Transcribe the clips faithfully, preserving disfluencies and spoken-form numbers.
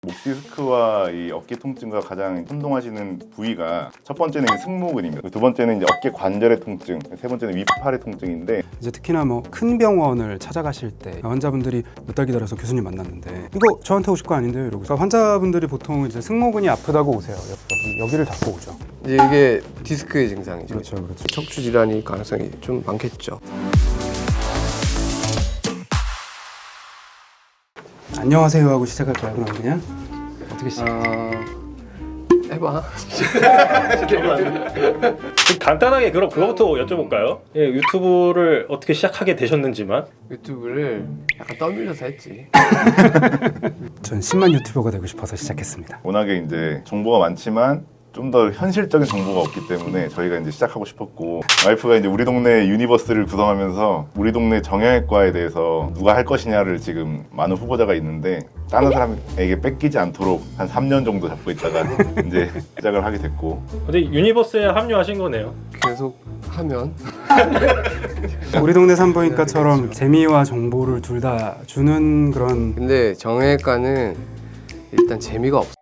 목 디스크와 이 어깨 통증과 가장 혼동하시는 부위가 첫 번째는 승모근입니다. 두 번째는 이제 어깨 관절의 통증, 세 번째는 윗팔의 통증인데 이제 특히나 뭐 큰 병원을 찾아가실 때 환자분들이 몇 달 기다려서 교수님 만났는데 이거 저한테 오실 거 아닌데요? 이러고서 환자분들이 보통 이제 승모근이 아프다고 오세요. 여기, 여기를 잡고 오죠. 이제 이게 디스크의 증상이죠. 그렇죠, 그렇죠. 척추 질환일 가능성이 좀 많겠죠. 안녕하세요 하고 시작할까요? 그럼 그냥 어떻게 시작? 아... 해봐. 좀 간단하게 그럼 그거부터 여쭤볼까요? 예, 유튜브를 어떻게 시작하게 되셨는지만. 유튜브를 약간 떠밀려서 했지. 전 십만 유튜버가 되고 싶어서 시작했습니다. 워낙에 이제 정보가 많지만 좀 더 현실적인 정보가 없기 때문에 저희가 이제 시작하고 싶었고, 와이프가 이제 우리 동네 유니버스를 구성하면서 우리 동네 정형외과에 대해서 누가 할 것이냐를 지금 많은 후보자가 있는데 다른 사람에게 뺏기지 않도록 한 삼 년 정도 잡고 있다가 이제 시작을 하게 됐고. 근데 유니버스에 합류하신 거네요. 계속 하면 우리 동네 산부인과처럼 재미와 정보를 둘 다 주는 그런 근데 정형외과는 일단 재미가 없어.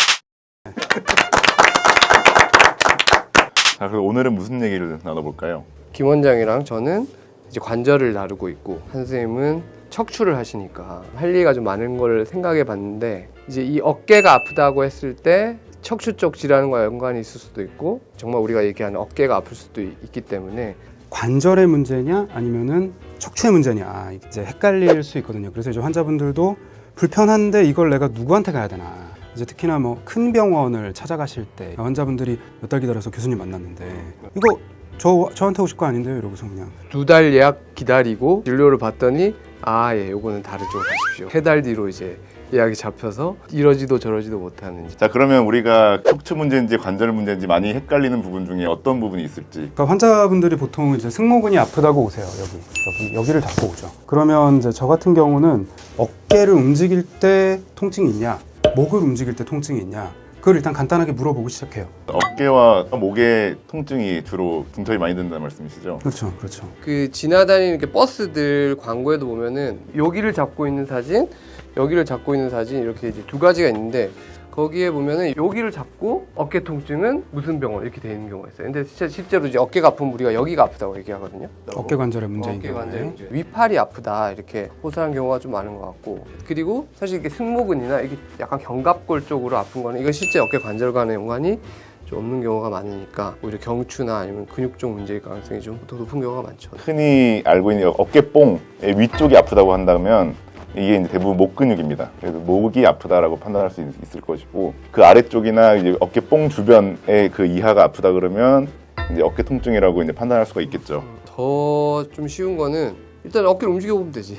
자, 그럼 오늘은 무슨 얘기를 나눠볼까요? 김 원장이랑 저는 이제 관절을 다루고 있고 한 선생님은 척추를 하시니까 할 얘기가 좀 많은 걸 생각해 봤는데, 이제 이 어깨가 아프다고 했을 때 척추 쪽 질환과 연관이 있을 수도 있고 정말 우리가 얘기하는 어깨가 아플 수도 있기 때문에 관절의 문제냐 아니면은 척추의 문제냐 이제 헷갈릴 수 있거든요. 그래서 이제 환자분들도 불편한데 이걸 내가 누구한테 가야 되나. 이제 특히나 뭐 큰 병원을 찾아가실 때 환자분들이 몇 달 기다려서 교수님 만났는데 이거 저 저한테 오실 거 아닌데요? 이러고서 그냥 두 달 예약 기다리고 진료를 받더니 아, 예, 요거는 다른 쪽으로 가십시오. 세 달 뒤로 이제 예약이 잡혀서 이러지도 저러지도 못하는. 자, 그러면 우리가 척추 문제인지 관절 문제인지 많이 헷갈리는 부분 중에 어떤 부분이 있을지. 그러니까 환자분들이 보통 이제 승모근이 아프다고 오세요. 여기 여기 여기를 잡고 오죠. 그러면 이제 저 같은 경우는 어깨를 움직일 때 통증이 있냐, 목을 움직일 때 통증이 있냐, 그걸 일단 간단하게 물어보고 시작해요. 어깨와 목의 통증이 주로 중턱이 많이 든다는 말씀이시죠? 그렇죠, 그렇죠. 그 지나다니는 이렇게 버스들 광고에도 보면은 여기를 잡고 있는 사진, 여기를 잡고 있는 사진 이렇게 이제 두 가지가 있는데 거기에 보면은 여기를 잡고 어깨 통증은 무슨 병원 이렇게 돼 있는 경우가 있어요. 근데 진짜 실제로 이제 어깨가 아프면 우리가 여기가 아프다고 얘기하거든요. 어깨 관절의 문제인 어깨 경우에 관절 문제. 윗팔이 아프다 이렇게 호소하는 경우가 좀 많은 것 같고, 그리고 사실 이게 승모근이나 이게 약간 견갑골 쪽으로 아픈 거는 이건 실제 어깨 관절과는 연관이 좀 없는 경우가 많으니까 오히려 경추나 아니면 근육 쪽 문제일 가능성이 좀 더 높은 경우가 많죠. 흔히 알고 있는 어깨뽕의 위쪽이 아프다고 한다면 이게 이제 대부분 목 근육입니다. 그래서 목이 아프다라고 판단할 수 있을 것이고, 그 아래쪽이나 이제 어깨뽕 주변의 그 이하가 아프다 그러면 이제 어깨 통증이라고 이제 판단할 수가 있겠죠. 더 좀 쉬운 거는 일단 어깨를 움직여 보면 되지.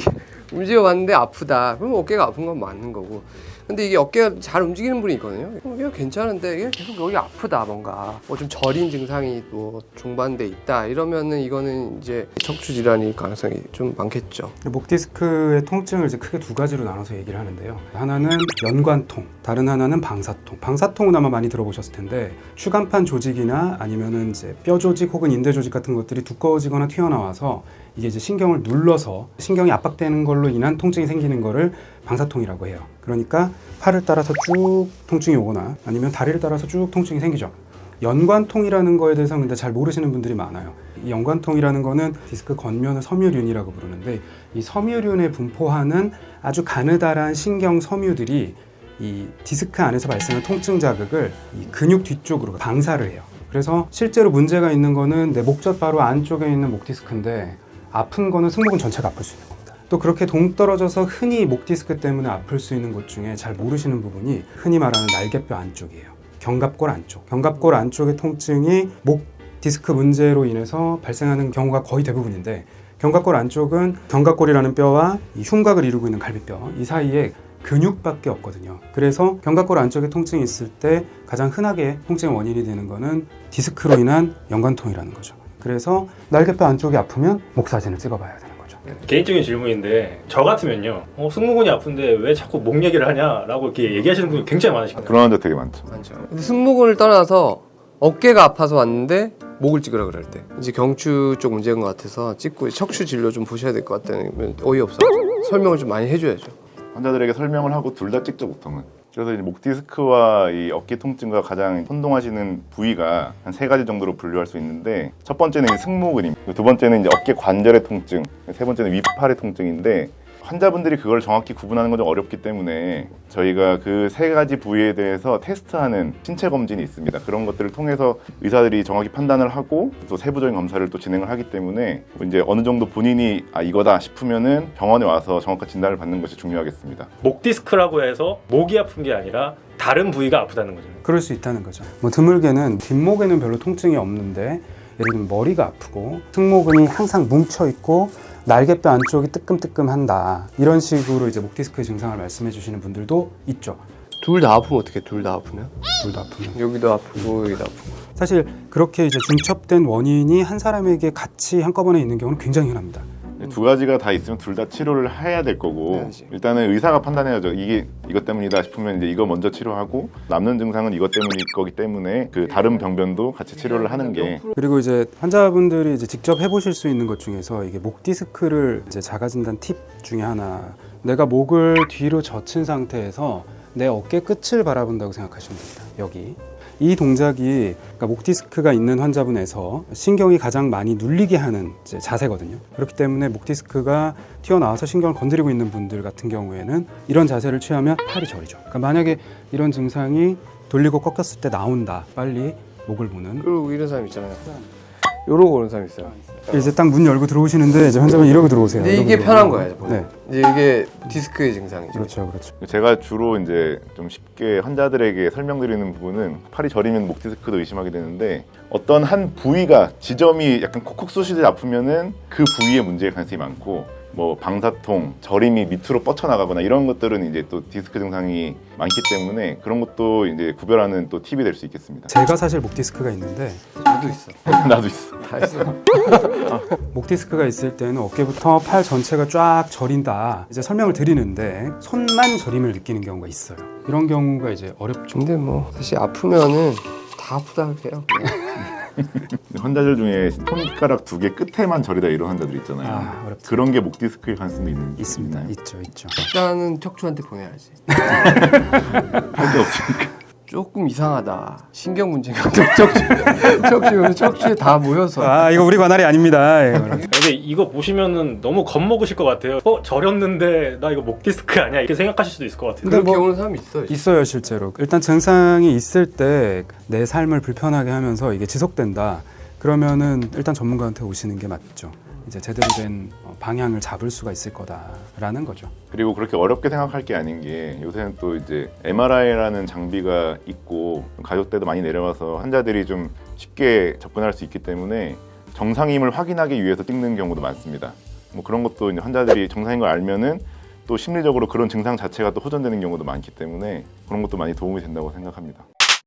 움직여 봤는데 아프다. 그럼 어깨가 아픈 건 맞는 거고. 근데 이게 어깨가 잘 움직이는 분이 있거든요. 이게 괜찮은데 이게 계속 여기 아프다, 뭔가 뭐 좀 저린 증상이 뭐 중반돼 있다 이러면은 이거는 이제 척추 질환일 가능성이 좀 많겠죠. 목 디스크의 통증을 이제 크게 두 가지로 나눠서 얘기를 하는데요. 하나는 연관통, 다른 하나는 방사통. 방사통은 아마 많이 들어보셨을 텐데 추간판 조직이나 아니면은 이제 뼈 조직 혹은 인대 조직 같은 것들이 두꺼워지거나 튀어나와서 이게 이제 신경을 눌러서 신경이 압박되는 걸로 인한 통증이 생기는 거를 방사통이라고 해요. 그러니까 팔을 따라서 쭉 통증이 오거나 아니면 다리를 따라서 쭉 통증이 생기죠. 연관통이라는 거에 대해서 근데 잘 모르시는 분들이 많아요. 이 연관통이라는 거는 디스크 겉면을 섬유륜이라고 부르는데 이 섬유륜에 분포하는 아주 가느다란 신경 섬유들이 이 디스크 안에서 발생하는 통증 자극을 이 근육 뒤쪽으로 방사를 해요. 그래서 실제로 문제가 있는 거는 내 목젖 바로 안쪽에 있는 목 디스크인데 아픈 거는 승모근 전체가 아플 수 있는 겁니다. 또 그렇게 동떨어져서 흔히 목 디스크 때문에 아플 수 있는 곳 중에 잘 모르시는 부분이 흔히 말하는 날개뼈 안쪽이에요. 견갑골 안쪽. 견갑골 안쪽의 통증이 목 디스크 문제로 인해서 발생하는 경우가 거의 대부분인데, 견갑골 안쪽은 견갑골이라는 뼈와 이 흉곽을 이루고 있는 갈비뼈 이 사이에 근육밖에 없거든요. 그래서 견갑골 안쪽에 통증이 있을 때 가장 흔하게 통증의 원인이 되는 거는 디스크로 인한 연관통이라는 거죠. 그래서 날개뼈 안쪽이 아프면 목 사진을 찍어봐야 되는 거죠. 개인적인 질문인데 저 같으면요, 어, 승모근이 아픈데 왜 자꾸 목 얘기를 하냐라고 이렇게 얘기하시는 분이 굉장히 많으시거든요. 그런 환자 되게 많죠. 많죠. 근데 승모근을 떠나서 어깨가 아파서 왔는데 목을 찍으라 그럴 때 이제 경추 쪽 문제인 것 같아서 찍고 척추 진료 좀 보셔야 될 것 같다는 어이없어. 설명을 좀 많이 해줘야죠. 환자들에게 설명을 하고 둘 다 찍죠, 보통은. 그래서 이제 목 디스크와 이 어깨 통증과 가장 혼동하시는 부위가 한 세 가지 정도로 분류할 수 있는데, 첫 번째는 이 승모근입니다. 두 번째는 이제 어깨 관절의 통증, 세 번째는 위팔의 통증인데, 환자분들이 그걸 정확히 구분하는 건 좀 어렵기 때문에 저희가 그 세 가지 부위에 대해서 테스트하는 신체 검진이 있습니다. 그런 것들을 통해서 의사들이 정확히 판단을 하고 또 세부적인 검사를 또 진행을 하기 때문에 이제 어느 정도 본인이 아 이거다 싶으면은 병원에 와서 정확한 진단을 받는 것이 중요하겠습니다. 목 디스크라고 해서 목이 아픈 게 아니라 다른 부위가 아프다는 거죠. 그럴 수 있다는 거죠. 뭐 드물게는 뒷목에는 별로 통증이 없는데 예를 들면 머리가 아프고 승모근이 항상 뭉쳐 있고 날개뼈 안쪽이 뜨끔뜨끔한다, 이런 식으로 이제 목 디스크 증상을 말씀해 주시는 분들도 있죠. 둘 다 아프면 어떻게? 둘 다 아프면? 둘 다 아프면. 여기도 아프고 여기도 아프고. 사실 그렇게 이제 중첩된 원인이 한 사람에게 같이 한꺼번에 있는 경우는 굉장히 흔합니다. 두 가지가 다 있으면 둘 다 치료를 해야 될 거고, 해야지. 일단은 의사가 판단해야죠. 이게 이것 때문이다 싶으면 이제 이거 먼저 치료하고, 남는 증상은 이것 때문일 거기 때문에 그 다른 병변도 같이 치료를 하는 게. 그리고 이제 환자분들이 이제 직접 해보실 수 있는 것 중에서 이게 목 디스크를 이제 자가진단 팁 중에 하나, 내가 목을 뒤로 젖힌 상태에서 내 어깨 끝을 바라본다고 생각하시면 됩니다. 여기 이 동작이 그러니까 목 디스크가 있는 환자분에서 신경이 가장 많이 눌리게 하는 이제 자세거든요. 그렇기 때문에 목 디스크가 튀어나와서 신경을 건드리고 있는 분들 같은 경우에는 이런 자세를 취하면 팔이 저리죠. 그러니까 만약에 이런 증상이 돌리고 꺾였을 때 나온다, 빨리 목을 보는. 그리고 이런 사람 있잖아요. 이러고 오는 사람 있어요. 이제 딱 문 열고 들어오시는데 이제 환자분 이러고 들어오세요. 근데 이러고 이게 편한 들어오세요. 거예요. 네, 이제 이게 디스크의 증상이죠. 그렇죠, 그렇죠. 제가 주로 이제 좀 쉽게 환자들에게 설명드리는 부분은, 팔이 저리면 목 디스크도 의심하게 되는데, 어떤 한 부위가 지점이 약간 콕콕 쑤시듯이 아프면은 그 부위에 문제일 가능성이 많고, 뭐 방사통, 저림이 밑으로 뻗쳐나가거나 이런 것들은 이제 또 디스크 증상이 많기 때문에 그런 것도 이제 구별하는 또 팁이 될 수 있겠습니다. 제가 사실 목 디스크가 있는데, 저도 있어. 나도 있어. 다 있어. 목 디스크가 있을 때는 어깨부터 팔 전체가 쫙 저린다, 이제 설명을 드리는데 손만 저림을 느끼는 경우가 있어요. 이런 경우가 이제 어렵죠. 근데 뭐 사실 아프면은 다 아프다 해요. 그냥. 환자들 중에 손가락 두 개 끝에만 저리다 이런 환자들 있잖아요. 아, 어렵죠. 그런 게 목 디스크일 가능성도 있는 있습니다. 있나요? 있죠, 있죠. 일단은 척추한테 보내야지. 할 게 없으니까. 조금 이상하다. 신경 문제가 척추 척추 척추에 다 모여서. 아, 이거 우리 관할이 아닙니다. 예, 근데 이거 보시면은 너무 겁먹으실 것 같아요. 어? 저렸는데 나 이거 목 디스크 아니야? 이렇게 생각하실 수도 있을 것 같아요. 근데 그렇게 뭐- 오는 사람이 있어요. 있어요, 실제로. 일단 증상이 있을 때 내 삶을 불편하게 하면서 이게 지속된다, 그러면은 일단 전문가한테 오시는 게 맞죠. 이제 제대로 된 방향을 잡을 수가 있을 거다라는 거죠. 그리고 그렇게 어렵게 생각할 게 아닌 게, 요새는 또 이제 엠알아이라는 장비가 있고 가격대도 많이 내려와서 환자들이 좀 쉽게 접근할 수 있기 때문에 정상임을 확인하기 위해서 찍는 경우도 많습니다. 뭐 그런 것도 이제 환자들이 정상인 걸 알면은 또 심리적으로 그런 증상 자체가 또 호전되는 경우도 많기 때문에 그런 것도 많이 도움이 된다고 생각합니다.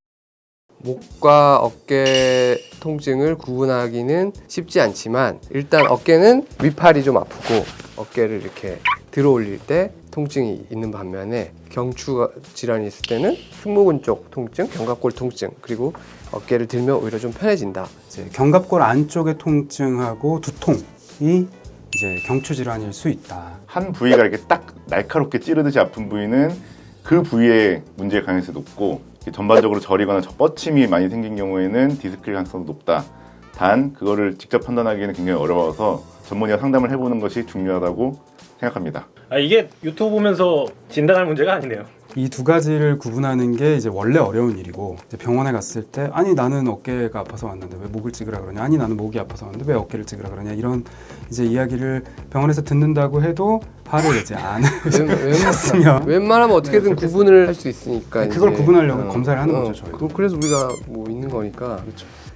목과 어깨 통증을 구분하기는 쉽지 않지만, 일단 어깨는 위팔이 좀 아프고 어깨를 이렇게 들어 올릴 때 통증이 있는 반면에 경추 질환이 있을 때는 승모근 쪽 통증, 견갑골 통증, 그리고 어깨를 들면 오히려 좀 편해진다. 이제 견갑골 안쪽의 통증하고 두통이 이제 경추 질환일 수 있다. 한 부위가 이렇게 딱 날카롭게 찌르듯이 아픈 부위는 그 부위에 문제일 가능성이 높고, 전반적으로 저리거나 뻗침이 많이 생긴 경우에는 디스크일 가능성도 높다. 단 그거를 직접 판단하기에는 굉장히 어려워서 전문의와 상담을 해보는 것이 중요하다고 생각합니다. 아, 이게 유튜브 보면서 진단할 문제가 아니네요. 이 두 가지를 구분하는 게 이제 원래 어려운 일이고, 이제 병원에 갔을 때 아니 나는 어깨가 아파서 왔는데 왜 목을 찍으라 그러냐, 아니 나는 목이 아파서 왔는데 왜 어깨를 찍으라 그러냐, 이런 이제 이야기를 병원에서 듣는다고 해도 화를 내지 않으셨으면 웬만하면 어떻게든 구분을 할 수 있으니까. 그걸 이제. 구분하려고 검사를 하는 거죠, 어, 저희도. 그- 그래서 우리가 뭐 있는 거니까. 그렇죠.